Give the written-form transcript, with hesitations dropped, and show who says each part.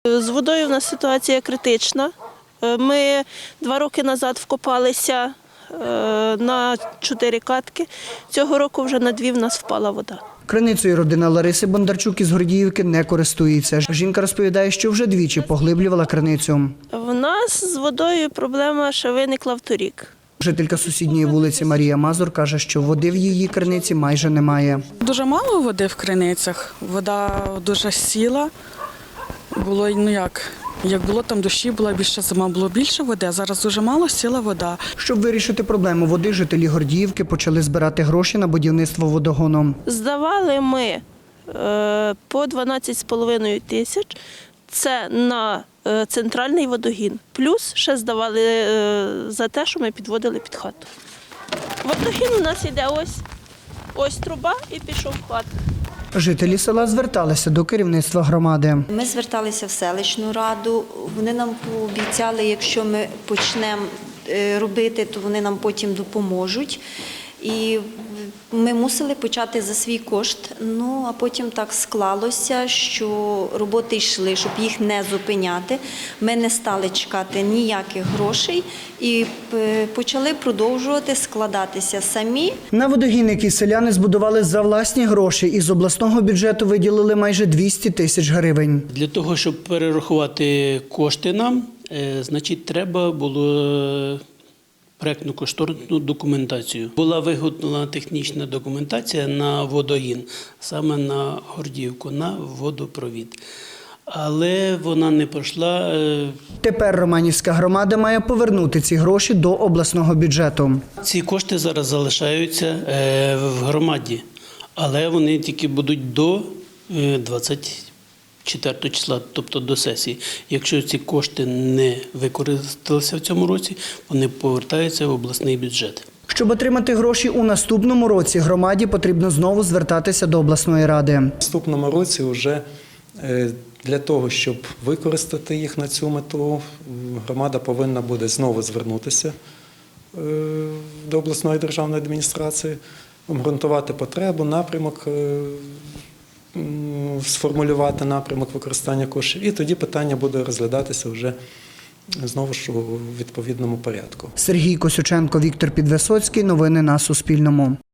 Speaker 1: З водою в нас ситуація критична. Ми 2 роки назад вкопалися на 4 катки. Цього року вже на 2 в нас впала вода.
Speaker 2: Криницею родина Лариси Бондарчук із Гордіївки не користується. Жінка розповідає, що вже двічі поглиблювала криницю.
Speaker 1: В нас з водою проблема ще виникла вторік.
Speaker 2: Жителька сусідньої вулиці Марія Мазур каже, що води в її криниці майже немає.
Speaker 3: Дуже мало води в криницях, вода дуже сіла. Було, як було там дощі, була більше зима, було більше води, а зараз дуже мало сіла вода.
Speaker 2: Щоб вирішити проблему води, жителі Гордіївки почали збирати гроші на будівництво водогону.
Speaker 1: Здавали ми по 12,5 тисяч. Це на центральний водогін. Плюс ще здавали за те, що ми підводили під хату. Водогін у нас йде ось труба і пішов в хату.
Speaker 2: Жителі села зверталися до керівництва громади.
Speaker 4: Ми зверталися в селищну раду, вони нам пообіцяли, якщо ми почнемо робити, то вони нам потім допоможуть. І ми мусили почати за свій кошт, а потім так склалося, що роботи йшли, щоб їх не зупиняти. Ми не стали чекати ніяких грошей і почали продовжувати складатися самі.
Speaker 2: На водогін, який селяни збудували за власні гроші, із обласного бюджету виділили майже 200 тисяч гривень.
Speaker 5: Для того, щоб перерахувати кошти нам, треба було проєктну кошторисну документацію. Була виготовлена технічна документація на водогін, саме на Гордіївку, на водопровід. Але вона не пройшла.
Speaker 2: Тепер Романівська громада має повернути ці гроші до обласного бюджету.
Speaker 5: Ці кошти зараз залишаються в громаді, але вони тільки будуть до 24 числа, тобто до сесії. Якщо ці кошти не використалися в цьому році, вони повертаються в обласний бюджет.
Speaker 2: Щоб отримати гроші у наступному році, громаді потрібно знову звертатися до обласної ради.
Speaker 6: В наступному році вже для того, щоб використати їх на цю мету, громада повинна буде знову звернутися до обласної державної адміністрації, обґрунтувати потребу, напрямок, сформулювати напрямок використання коштів, і тоді питання буде розглядатися вже знову ж у відповідному порядку.
Speaker 2: Сергій Косюченко, Віктор Підвисоцький. Новини на Суспільному.